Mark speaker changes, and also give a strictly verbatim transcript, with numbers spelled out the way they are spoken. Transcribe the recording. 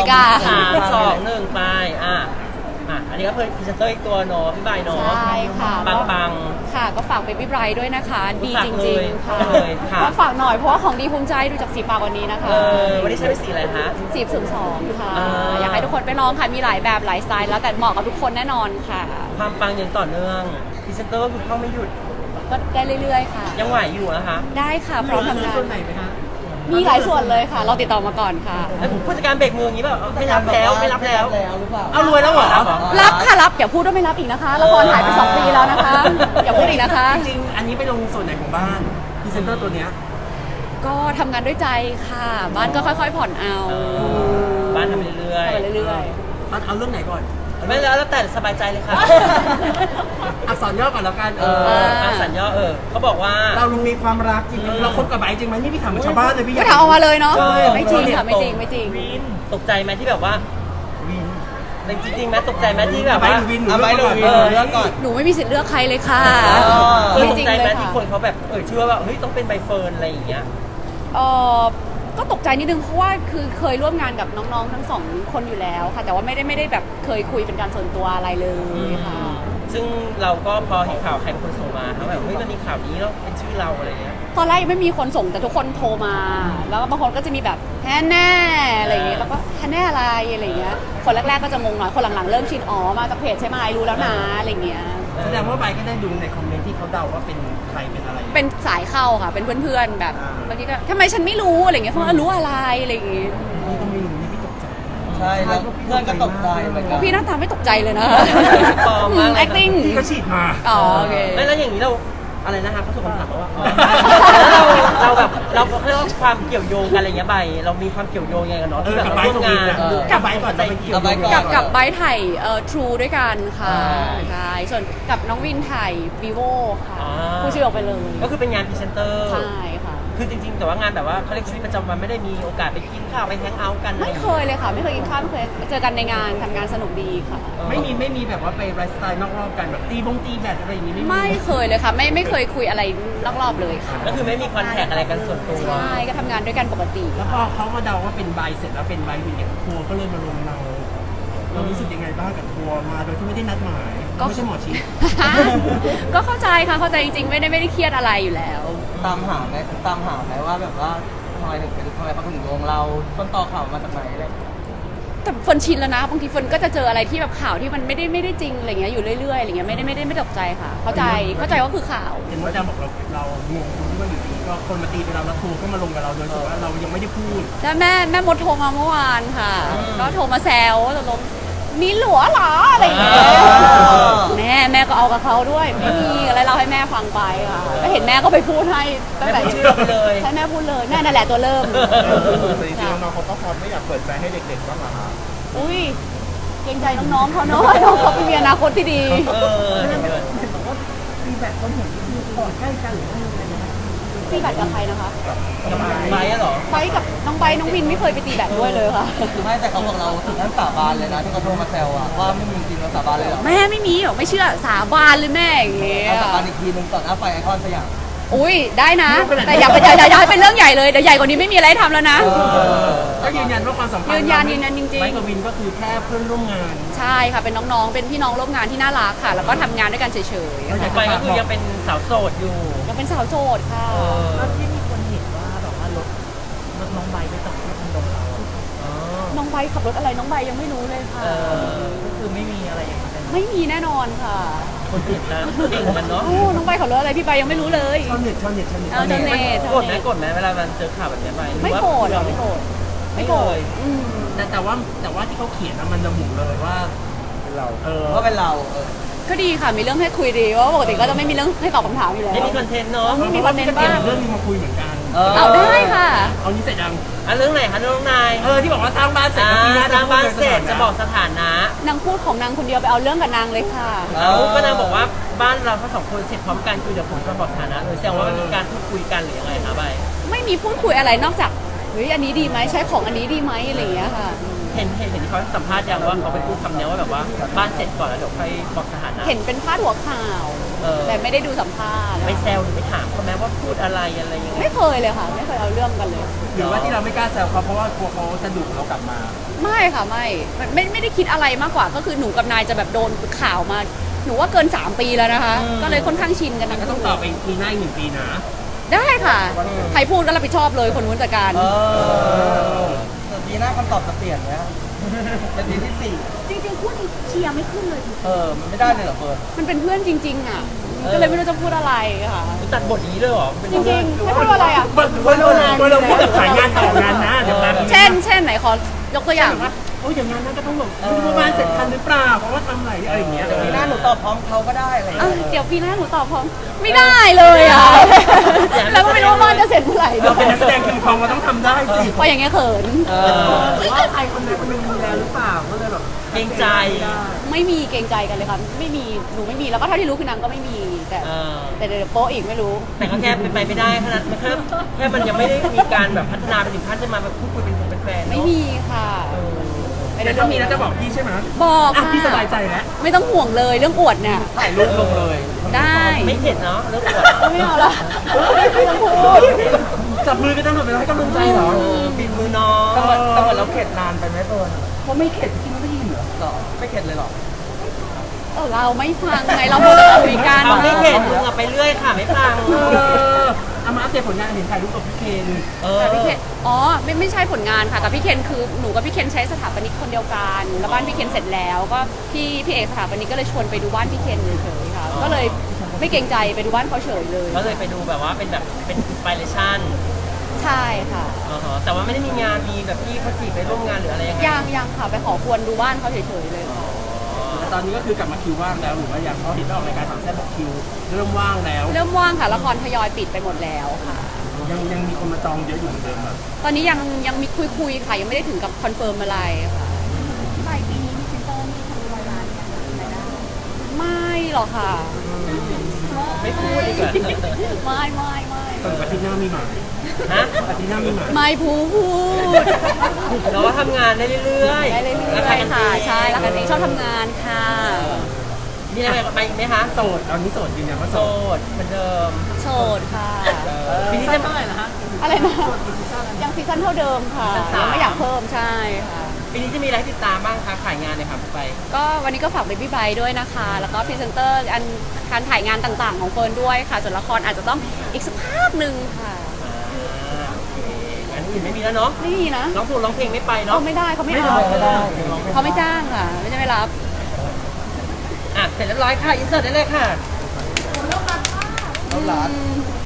Speaker 1: กา
Speaker 2: สามสองหนึ่งไปอ่ะอ่ะอันนี้ก็เพิ่มพรีเซนเตอร์อีกตัวเนาะพี่ใบเนาะ
Speaker 1: ใช่ค่ะ
Speaker 2: ปังปัง
Speaker 1: ค่ะ ก็ฝากเบบี้ไบรท์ด้วยนะคะ ดีจริงๆค่ะ
Speaker 2: เลยค่ะ
Speaker 1: ก็ฝากหน่อยเพราะว่าของดีภูมิใจดูจากสีปากวันนี้นะคะ
Speaker 2: เออวันนี้ใช้เป็นสีอะไรคะ
Speaker 1: สีศูนย์สองค่ะ
Speaker 2: อ่า
Speaker 1: อยากให้ทุกคนไปลองค่ะ มีหลายแบบหลายสไตล์แล้วแต่เหมาะกับทุกคนแน่นอนค่ะ
Speaker 2: ความปังอย่างต่อเนื่องพรีเซนเตอร์ก็คือเข้าไม่หยุด
Speaker 1: ก็ได้เรื่อยๆค่ะ
Speaker 2: ยังไหวอยู่นะคะ
Speaker 1: ได้ค่ะพร้อมทำงาน
Speaker 3: ส่วนไหนไหมคะ
Speaker 1: มีหลายส่วนเลยค่ะ เราติดต่อมาก่อนค่ะ
Speaker 2: แล้วผู้จัดการเบรกมืออย่างนี้แบบไม่รับแล้วไม่รับแล้ว
Speaker 3: หรือเปล่า
Speaker 2: เอารวยแล้วเหรอ
Speaker 1: รับค่ะรับอย่าพูดว่าไม่รับอีกนะคะละครหายไปสองปีแล้วนะคะ อย่าพูดอีกนะคะ
Speaker 3: จริงๆอันนี้ไปลงส่วนไหนของบ้านพรีเซนเตอร์ตัวเนี้ย
Speaker 1: ก็ทำงานด้วยใจค่ะ บ้านก็ค่อยๆผ่อนเอา
Speaker 2: เออบ้านทำไปเรื่อย
Speaker 1: ทำไปเรื่อย
Speaker 3: ตัดเอาเรื่องไหนก่อน
Speaker 2: ๆไม่แล้วแล้วแต่สบายใจเลยค่ะ
Speaker 3: อักษรย่อก่อนแล้วกัน
Speaker 2: เอออ่ะสัญญาเออเขาบอกว่า
Speaker 3: เราลุงมีความรักจริงไหมเราคบกับไบร์ทจริงไหมนี่พี่ถามเหมือนชาวบ้านเลยพี่
Speaker 1: ๆ
Speaker 3: อยา
Speaker 1: ไม่
Speaker 3: ก
Speaker 1: ทำออกมาเลยเนาะ
Speaker 2: เออ
Speaker 1: ไม่จริงค่ะไม่จริงไม่จริง
Speaker 2: ตกใจไหมที่แบบว่า
Speaker 3: วิน
Speaker 2: จริงๆไหมตกใจไหมที่แบบ
Speaker 3: ไบร์
Speaker 2: ว่า
Speaker 3: ทหรือวินหนู
Speaker 4: เอาไบร์ทหรือวิน
Speaker 2: เออ
Speaker 4: เลือกก่อน
Speaker 1: หนูไม่มีสิทธิ์เลือกใครเลยค่ะ
Speaker 2: เออ
Speaker 1: ไม่
Speaker 2: ตก
Speaker 1: จริง
Speaker 2: ใจ
Speaker 1: เล
Speaker 2: ไหม
Speaker 1: ย
Speaker 2: ที่
Speaker 1: ค่ะ
Speaker 2: คนเขาแบบเออเชื่อว่าเฮ้ยต้องเป็นใบเฟิร์นอะไรอย่างเงี้ย
Speaker 1: เออก็ตกใจนิดนึงเพราะว่าคือเคยร่วมงานกับน้องๆทั้งสองคนอยู่แล้วค่ะ แต่ว่าไม่ได้ไม่ได้แบบเคยคุยเป็นการส่วนตัวอะไรเลยค่ะ
Speaker 2: ซึ่งเราก็พอเห็นข่าวใครเป็นคนส่งมาเขาแบบเฮ้ยมันมีข่าวนี้แล้วเป็นชื่อเราอะไรเงี้ย
Speaker 1: ตอนแรกยังไม่มีคนส่งแต่ทุกคนโทรมา แล้วก็บางคนก็จะมีแบบแฮนแน่อะไรอย่างเงี้ยแล้วก็แฮนแน่อะไรอะไรอย่างเงี้ยคนแรกๆก็จะงงหน่อยคนหลังๆเริ่มชินอ๋อมาจากเพจใช่ไหมรู้แล้วนะอะไรอย่างเงี้ย
Speaker 3: แสดงว่าไบร์ทก็ได้ดูในคอมเมนต์ที่เขาเดาว่าเป็นใครเป็นอะไร
Speaker 1: เป็นสายเข้าค่ะ เป็นเพื่อนๆแบบ
Speaker 3: อ่า
Speaker 1: บางทีก็ทำไมฉันไม่รู้อะไรอย่างเงี้ยเขาว่ารู้อะไรอะไรอย่างเงี้ย
Speaker 3: นี่ก็ไม่รู้นี่พี่ตกใจ
Speaker 4: ใช่แล้วเพื่อนก็ตกใจเหมือนกัน
Speaker 1: พี่หน้าตาไม่ตกใจเลยนะ
Speaker 2: ปลอมมากเลย
Speaker 1: acting
Speaker 3: พี่ก็ฉีดมา
Speaker 1: อ๋อโอเค
Speaker 2: ไม่แล้วอย่างนี้เราอะไรนะคะเขาส่งคำถามมาว่าอ๋อแล้วเราเราแบบเราเรียกว่าความเกี่ยวโยงกันอะไรเงี้ยใบเรามีความเกี่ยวโยงยังไงกันเนาะ
Speaker 3: เอ
Speaker 2: ที่
Speaker 3: อ
Speaker 2: แบบ
Speaker 3: กับ
Speaker 2: เรา
Speaker 3: ไบร์ท
Speaker 2: ร่วม
Speaker 3: กับวิน
Speaker 2: งาน
Speaker 3: นะกับไบร์ทก่อนจะไปเกี่ยว
Speaker 4: กับไบร์ทก่อน
Speaker 1: กับกับไบร์ทไทยเอ่อ True ด้วยกันค่ะ
Speaker 4: อ่า
Speaker 1: ใช่ส่วนกับน้องวินไทย vivo ค่ะ
Speaker 2: อ่า
Speaker 1: ผู้ชื่อออกไปเลย
Speaker 2: ก็คือเป็นงานพรีเซนเตอร์
Speaker 1: ใช่ค่ะ
Speaker 2: คือจริงๆแต่ว่างานแบบว่าเขาเรียกชีวิตประจำวันไม่ได้มีโอกาสไปกินข้าวไปแฮงเอาท์กันอะร
Speaker 1: ไม่เคยเลยค่ะ ไม่เคยกินข้าวไม่เคยเจอกันในงานทำงานสนุกดีค่ะ
Speaker 3: ไม่มีไม่มีแบบว่าไปไลฟ์สไตล์นอกรอบกันแบบตีบงตีแบดอะไรอย่างนี้ไม่มี
Speaker 1: ไม่เคยเลยค่ะ ไม่ไม่เคยคุยอะไรนอกรอบเลยค่ะ
Speaker 2: ก็คือไม่มีคอนแทคอะไรกันส่วนตัว
Speaker 1: ใช่ก็ทำงานด้วยกันปกติ
Speaker 3: แล้วพอเขามาเดาว่าเป็นไบร์ทเสร็จแล้วเป็นไบร์ทวินเนี่ยทัวร์ก็เลยมาลงเราเรารู้สึกยังไงบ้างกับทัวร์มาโดยที่ไม่ได้นัดหมาย
Speaker 1: ก็
Speaker 3: ไม่ใช่หมอชิด
Speaker 1: ก็เข้าใจค่ะเข้าใจจริงๆ ไม่ได้ไม่ได้เครียดอะไรอยู่แล้ว
Speaker 4: ตามหาไหมตามหาไหมว่าแบบว่าทำไมถึงเป็นทำไมเขาถึงโยงเราต้นตอข่าวมาจากไหนอะไรอย่างเงี้ย
Speaker 1: แต่เฟิร์นชินแล้วนะบางทีเฟิร์นก็จะเจออะไรที่แบบข่าวที่มันไม่ได้ไม่ได้จริงอะไรเงี้ยอยู่เรื่อยๆอะไรเงี้ยไม่ได้ไม่ได้ไม่ตกใจค่ะ เข้าใจเข้าใจว่าคือข่าว
Speaker 3: เห็นว่าอาจารย์บอกเราเรางงตรงที่ว่าอยู่ดีก็คนมาตีไปเราแล้วทัวร์ก็มาลงกับเราโดยที่ว่าเรายังไม่ได้พูด
Speaker 1: แล้วแม่แม่มดโทรมาเมื่อวานค่ะ ก็โทรมาแซวว่าตกลงมีหลัวเหรออะไรอย่างเงี้ย
Speaker 4: อ๋อ
Speaker 1: แม่แม่ก็เอากับเขาด้วยไม่มีอะไรเล่าให้แม่ฟังไปค่ะก็เห็นแม่ก็ไปพูดให้ตั้งแต่
Speaker 2: แม่พูดชื่อเราไปเลย
Speaker 1: ใช่แม่พูดเลยแม่นั่นแหละตัวเริ่ม
Speaker 5: แต่จริงๆน้องๆเขาก็พร้อมไม่อยากเปิดใจให้เด็กๆบ้างเหรอคะ
Speaker 1: อุ้ยเกรงใจน้องๆเขาเนาะน้องเขาเป็นมีอนาคตที่ดี
Speaker 2: เออเห็นด้วย
Speaker 3: มีแบบเขาเหมือนที่กอดใกล้กันหรืออะไรนะ
Speaker 1: ตีแบตกับใครนะคะ
Speaker 2: กับไบร์ทอะเหรอ
Speaker 1: ไปกับน้องใบน้องวินไม่เคยไปตีแบตด้วยเลยค่ะ
Speaker 4: ไม่แต่เขาบอกเราถึงขั้นสาบานเลยนะที่เขาโทรมาแซวอะว่าไม่มีจริงเราสาบานเลยเหรอ
Speaker 1: แม่ไม่มีหรอกไม่เชื่อสาบานเลยแม่อย่างเงี้ย
Speaker 4: เอาสาบานอีกทีหนึงต่อหน้าไฟไอคอนสยาม
Speaker 1: อุ้ยได้นะ แต่อย่าไปอย่าอย่าอย่าให้เป็นเรื่องใหญ่เลยเดี๋ยวใหญ่กว่านี้ไม่มีอะไรให้ทำแล้วนะ
Speaker 3: ก็ยืนยันว่าความสัมพันธ์
Speaker 1: ยืนยันยืนยันจริงๆ
Speaker 3: ไบร์ทกับวินก็คือแค่เพื่อนร่วมงาน
Speaker 1: ใช่ค่ะเป็นน้องๆ เป็นพี่น้องร่วมงานที่น่ารักค่ะ แล้วก็ทำงานด้วยกันเฉยๆ
Speaker 3: แล้ว
Speaker 1: ค่ะ
Speaker 2: ไปก็คือยังเป็นสาวโสดอยู่
Speaker 1: ยังเป็นสาวโสดค่ะ
Speaker 3: แล้วที่มีคนเห็นว่าแบบว่ารถรถน้องใบไปจอดที่คอนโดเรา
Speaker 2: อ๋อ
Speaker 1: น้องใบขับรถอะไรน้องใบยังไม่รู้เลยค่ะ
Speaker 2: เออ
Speaker 3: ก็คือไม่มีอะไรอย่างนั้น
Speaker 1: ไม่มีแน่นอนค่ะ
Speaker 2: คนอื่นนะเก่งกันเนาะ
Speaker 1: โอ้น้องใบขับรถอะไรพี่ใบยังไม่รู้เลย
Speaker 3: ชาวเน็ตชาวเน็ตชาวเน็ต
Speaker 1: เอาชาวเน็ต
Speaker 2: โกรธไหมโกรธไหมเวลามันเจอข่าวแบบนี้ไปหรือ
Speaker 1: ไม่
Speaker 2: ว่า
Speaker 1: โกรธหรอไม่โกรธไม่โกรธอืม
Speaker 3: แต่แต่ว่าแต่ว่าที่เขาเขียนนะมันระบุเลยว่า
Speaker 5: เป็นเรา
Speaker 3: เออ
Speaker 4: ว่าเป็นเราเออ
Speaker 1: ก็ดีค่ะมีเรื่องให้คุยดีเพราะว่าปกติก็จะไม่มีเรื่องให้ตอบคำถามอยู่แล้ว
Speaker 2: ไม่มีคอนเทนต์เนาะ
Speaker 1: มีคอนเทนต์บ้าง
Speaker 3: เรื่องนี้มาคุยเหมือนกัน
Speaker 4: เออ
Speaker 1: เอาได้ค่ะ
Speaker 3: เอานี้เสร็จยัง
Speaker 2: อ่ะเรื่องไหนคะน้องนาย
Speaker 3: เออที่บอกว่าสร้างบ้านเสร็จ
Speaker 2: อ่า
Speaker 3: แล้วปีหน้า
Speaker 2: สร้างบ้านเสร็จ
Speaker 3: พูด
Speaker 2: จะบอกสถานะ
Speaker 1: นางพูดของนางคนเดียวไปเอาเรื่องกับนางเลยค่ะ
Speaker 2: แล้วก็นางบอกว่าบ้านเราทั้งสองคนเสร็จพร้อมกันคือเดี๋ยวผมจะบอกสถานะเลยแสดงว่ามันมีการพูดคุยกันหรือยังไงคะใบ
Speaker 1: ไม่มีพูดคุยอะไรนอกจากเฮ้ยอันนี้ดีไหมใช้ของอันนี้ดีไหมอะไรอย่างเงี้ยค่ะ
Speaker 2: เห็นเห็นเห็นที่เขาสัมภาษณ์ยังว่าเขาไปพูดคำเนี้ยว่าแบบว่าบ้านเสร็จก่อนแล้วเดี๋ยวค่อยบอกสถานะ
Speaker 1: เห็นเป็นพาดหัวข่าว
Speaker 2: เออ
Speaker 1: แต่ไม่ได้ดูสัมภาษณ์
Speaker 2: ไปแซวหรือไปถามเขาไหมว่าพูดอะไรอะไรยังไง
Speaker 1: ไม่เคยเลยค่ะ ไม่เคยเอาเรื่องกันเลย
Speaker 3: หรือว่าที่เราไม่กล้าแซวเขาเพราะว่ากลัวเขาจะดุเรากลับมา
Speaker 1: ไม่ค่ะไม่ไม่ไม่ได้คิดอะไรมากกว่า ก็คือหนูกับนายจะแบบโดนข่าวมา หนูว่าเกินสามปีแล้วนะคะ ก็เลยค่อนข้างชินกันทั้ง
Speaker 3: ก็ต้อง
Speaker 1: คู่
Speaker 3: ต่อไปปีหน้าอีกหนึ่งปีนะ
Speaker 1: ได้ค่ะ ใครพูดก็รับผิดชอบเลยคนนู้นจัดการ
Speaker 4: เออแต่ปีหน้าคำตอบจะเปลี่ยนไหมครับเป็นปีที่สี่
Speaker 1: จริงๆพูดเชียร์ไม่ขึ้นเลย
Speaker 4: เออมันไม่ได้เลยเหรอเฟิร์น
Speaker 1: มันเป็นเพื่อนจริง ๆ อ่ะ ก็เลยไม่รู้จะพูดอะไรค่ะ
Speaker 2: ตัดบทอย่างนี้เลยเหรอเป็น
Speaker 1: จริงๆไม่พูดอะไรอ่ะ
Speaker 3: ว่าเราว่าเราพูดแบบขายงานต่องานนะเดี๋ยวงาน
Speaker 1: เช่น เช่นไหนขอยกตัวอย่าง
Speaker 3: ว่าโอ้ยอย่างงานนั้นก็ต้องแบบไม่รู้ว่าบ้านเสร็จทันหรือเปล่าเพราะว่าทำหลายอะไรอย่างเงี้ย
Speaker 4: เดี๋ยวปีหน้าหนูตอบพร้อมเขาก็ได้อะไรอย่าง
Speaker 1: อ่ะ
Speaker 4: เงี้ย
Speaker 1: เดี๋ยวปีหน้าหนูตอบพร้อมไม่ได้เลยอ่ะ แล้วก็ไม่รู้ว่าบ้านจะเสร็จเมื่อไหร่ด้
Speaker 3: เรา
Speaker 1: ว
Speaker 3: เป็น
Speaker 1: ย
Speaker 3: นักแสดงคิงคองเราต้องทำได้สิ
Speaker 1: เพราะอย่างเงี้ยเขิน
Speaker 2: เออ
Speaker 3: หรือว่าใครคนใดคนหนึ่งดูแลหรือเปล่าก็เลยแบบ
Speaker 2: เกรงใจ
Speaker 1: ไม่มีเกรงใจกันเลยค่ะไม่มีหนูไม่มีแล้วก็เท่าที่รู้คือนางก็ไม่มีแต่
Speaker 2: เออ
Speaker 1: แต่เดี๋ยวโป๊ะอีกไม่รู้
Speaker 2: แต่ก็แค่เป็นไปไม่ได้ขนาดมันแค่แค่มันยังไม่ได้มีการแบบพัฒนาไปถึงขั้นจะมาแบบพูดคุยเป็นแฟนเป็นแฟนเนอะ
Speaker 1: ไม่มีค่ะไม่
Speaker 3: แต่
Speaker 1: ได้
Speaker 3: ถ้ามีแล้วจะบอกพี่ใช่ไหม
Speaker 1: บอก
Speaker 3: อ่ะ
Speaker 1: ค่ะ
Speaker 3: พี่สบายใจแล้ว
Speaker 1: ไม่ต้องห่วงเลยเรื่องอวดเนี่ย
Speaker 4: ถ่ายรูปลงเลย
Speaker 1: ได้
Speaker 2: ไม่เห็นเนาะเรื่องอวด
Speaker 1: ไม่เอาละไม่ต้องพูด
Speaker 3: จับมือกันตั้งแต่เวลาให้กำลังใจเหรอ
Speaker 2: เออปิดมือน้อง
Speaker 4: แต่เหมือนแต่เหมือนเราเข็ดนานไปไหมเฟิร์น
Speaker 3: เขาไม่เข็ดพี่ไม่ได้ยินเหรอ
Speaker 4: หรอไม่เข็ดเลยหรอ
Speaker 1: เออเราไม่ฟังไงเราพูดแต่คุยกัน
Speaker 2: เขาไม่เห็นมึงอะไปเรื่อยค่ะไม่ฟัง
Speaker 3: เออเอามาอัปเดตผลงานเห็นถ่ายรูปกับพี่เคน
Speaker 2: เออ
Speaker 1: แต่พี่เคนอ๋อไม่ไม่ใช่ผลงานค่ะแต่พี่เคนคือหนูกับพี่เคนใช้สถาปนิกคนเดียวกันแล้วบ้านพี่เคนเสร็จแล้วก็พี่พี่เอกสถาปนิกก็เลยชวนไปดูบ้านพี่เคนเฉยๆค่ะก็เลยไม่เกรงใจไปดูบ้านเขาเฉยเลย
Speaker 2: ก็เลยไปดูแบบว่าเป็นแบบเป็นอินสปิเรชั่น
Speaker 1: ใช่ค่ะ
Speaker 2: อ่าฮะแต่ว่าไม่ได้มีงานมีแบบพี่เขาจีบไปร่วมงานหรืออะไรยังไง
Speaker 1: ยังยังค่ะไปขอควรดูบ้านเขาเฉยๆเลยค่ะ
Speaker 3: แต่ตอนนี้ก็คือกลับมาคิวว่างแล้วหรือว่าอย่างเขาเห็นออกรายการสามแซ่บบอกคิวเริ่มว่างแล้ว
Speaker 1: เริ่มว่างค่ะละครทยอยปิดไปหมดแล้วค่ะ
Speaker 3: ยังยังมีคนมาจองเยอะอยู่เหมือนเดิมอ่ะ
Speaker 1: ตอนนี้ยังยังมีคุยคุยๆค่ะยังไม่ได้ถึงกับคอนเฟิร์มอะไรค่ะปลายปีนี้มีเซ็นเตอร์มีทำร้อยล้านเนี่ยรายได้ไม่หรอกค่ะ
Speaker 2: ไม่พูดดีกว่า
Speaker 1: ไม่ไม่ไม่
Speaker 3: ตอนอาทิตย์หน้ามีหมา
Speaker 2: ฮะ
Speaker 3: อาทิตย์หน้ามีหมา
Speaker 1: ไม่พูด
Speaker 2: เราก็ทำงานได้เรื่อยๆ
Speaker 1: ได้เรื่
Speaker 2: รัก
Speaker 1: อย
Speaker 2: กัน
Speaker 1: ๆค่ะ
Speaker 2: เอง
Speaker 1: ใช่รักกันเองชอบทำงานค่ะ
Speaker 2: มีอะไรไปอีกไหมคะ
Speaker 3: โสดตอนนี้โสดยืนยันว่า
Speaker 2: โส
Speaker 3: โสด
Speaker 2: ดเหมือนเดิม
Speaker 1: โสดค่ะ
Speaker 2: ปีนี้จะเท่าไหร่นะฮะ
Speaker 1: อะไรนะยังซีซั่นเท่าเดิมค่ะ
Speaker 2: ซีซั่นสาม
Speaker 1: ยังไม่อยากเพิ่มใช่ค่ะ
Speaker 2: ปีนี้จะมีอะไรให้ติดตามบ้างคะขายงานเลยค่ะไป
Speaker 1: ก็วันนี้ก็ฝากเบบี้ไบด้วยนะคะ แล้วก็พรีเซนเตอร์อันการถ่ายงานต่างๆ ของเฟิร์นด้วยค่ะ ส่วนละครอาจจะต้องอีกสักพักหนึ่งค่ะ
Speaker 2: อ่าโอเคงั้นอื่นไม่มีแล้วเนาะ
Speaker 1: ไม่มีนะ
Speaker 2: ร้องเพลงร้องเพลงไม่ไป
Speaker 1: เขา
Speaker 2: เนาะ
Speaker 1: ไม่ได้เขาไม่เอา
Speaker 4: ไม่ได้
Speaker 1: เขาไม่จ้างค่ะ ไม่ใช่ไม่รับ
Speaker 2: อ่ะเสร็จเรียบร้อยค่ะอินเสิร์ตได้เลยค่ะ
Speaker 4: เอาหลาน
Speaker 1: อืม